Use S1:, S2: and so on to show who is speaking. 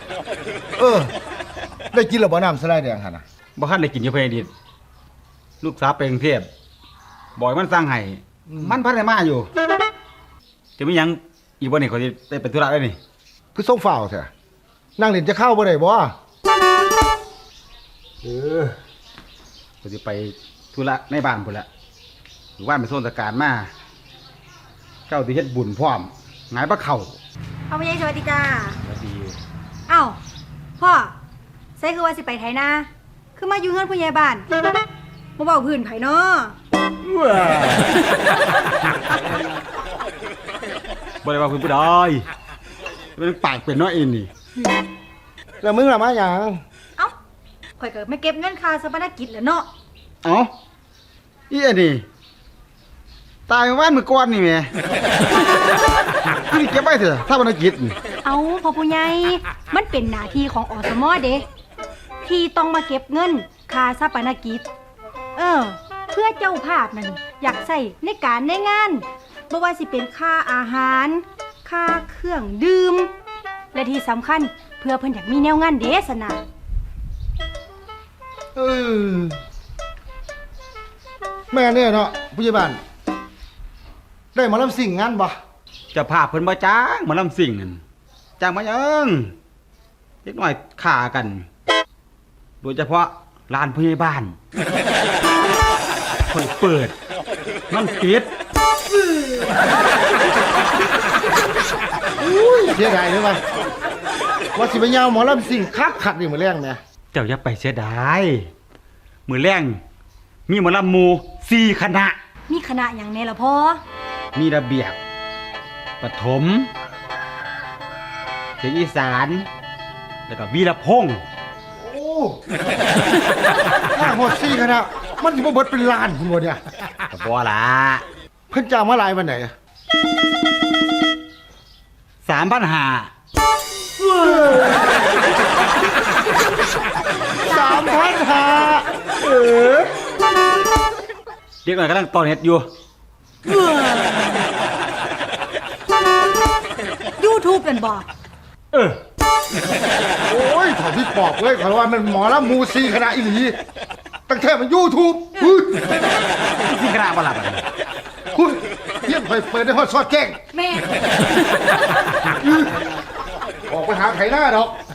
S1: ได้กินหรือบ่น้ำสไลด์แดงหั่นน่ะ
S2: บ่คันได้กินอยู่เพิ่นดิลูกสาวไปกรุงเทพบ่อยมันสั่งให้มันพันได้มาอยู่จะมีหยังอีกบ่นี่เขาสิได้ไปธุระได้นี่
S1: คือส่งฝ่าวแท้นั่งเล่นจะเข้าบ่ได้บ่
S2: เขาสิไปธุระในบ้านพุ่นละหรือว่าไปโซนตะการมาเจ้าสิเฮ็ดบุญพร้อมหงายปลาเข่า
S3: พ่อใหญ่สวัสดีจ้า
S2: สวัสดี
S3: อ้าวพ่อใส่คือว่าสิไปไถนาคือมาอยู่เฮือนผู้ใหญ่บ้านบ่เว้าพื้นไผเนาะ
S2: บ่ได้ว่าเพิ่นผู้ใดเป็นปากเป็นน้อยอีนี่
S1: แล้วมึงล่ะมาหยัง
S3: เอ้าข่อยก็ไม่เก็บเงินค่าสปนกิจแหล้วเนาะ
S2: เอ้าอีอันนี้ตายวันมื้อก่อนนี่แหมคือเก็บไว้เถอะถ้าบ่ได้กิจ
S3: เอ้าพ่อผู้ใหญ่มันเป็นหน้าที่ของอสมเด้ที่ต้องมาเก็บเงินค่าสปนกิจเพื่อเจ้าภาพนั่นอยากใส่ในการในงานบ่ว่าสิเป็นค่าอาหารค่าเครื่องดื่มและที่สำคัญเพื่อเพิ่นอยากมีแนวงานเด้สนะ
S1: แม่เนี่ยเนาะผู้ใหญ่บ้านได้มาลำสิ่งงานบ่
S2: จะภาพเพิ่นบ่จ้างมาลำสิ่งนั่นจ้างมายังเล็กน้อยฆ่ากันโดยเฉพาะลานผู้ใหญ่บ้านเปิดมันปิด
S1: เสียดายเลยว่าสิไปยาวหมอลำสิ่งคักขัดนี่มื้อแรงแม่
S2: เจ้าอย่าไปเสียดายมื้อแรงมีหมอลำหมู่4คณะ
S3: มีคณะหยังแน่ล่ะพ่อ
S2: มีระเบียบปฐมเสียงอีสานแล้วก็วีรพงษ์
S1: ถ้าหมด4คณะมันสิบ่เบิดเป็นล้านพุ่นบ่เนี่ย
S2: ก็บ่ล่ะ
S1: เพิ่นจ้างมาหลายปานใด
S2: 3,500 เด็กหน่อยกำลังตอนเฮ็ดอยู่
S3: YouTube เป็นบ่
S1: โอ้ยถอดพี่ปอบเลยขอว่ามันหมอลำหมู่4คณะอีหลีตั้งแต่มัน YouTube
S2: 4คณะบ่ล่ะ
S1: คุณเยี่ยมเปิดได้ฮอดซอดแจ้ง
S3: แม่
S1: ออกไปหาไถนาดอก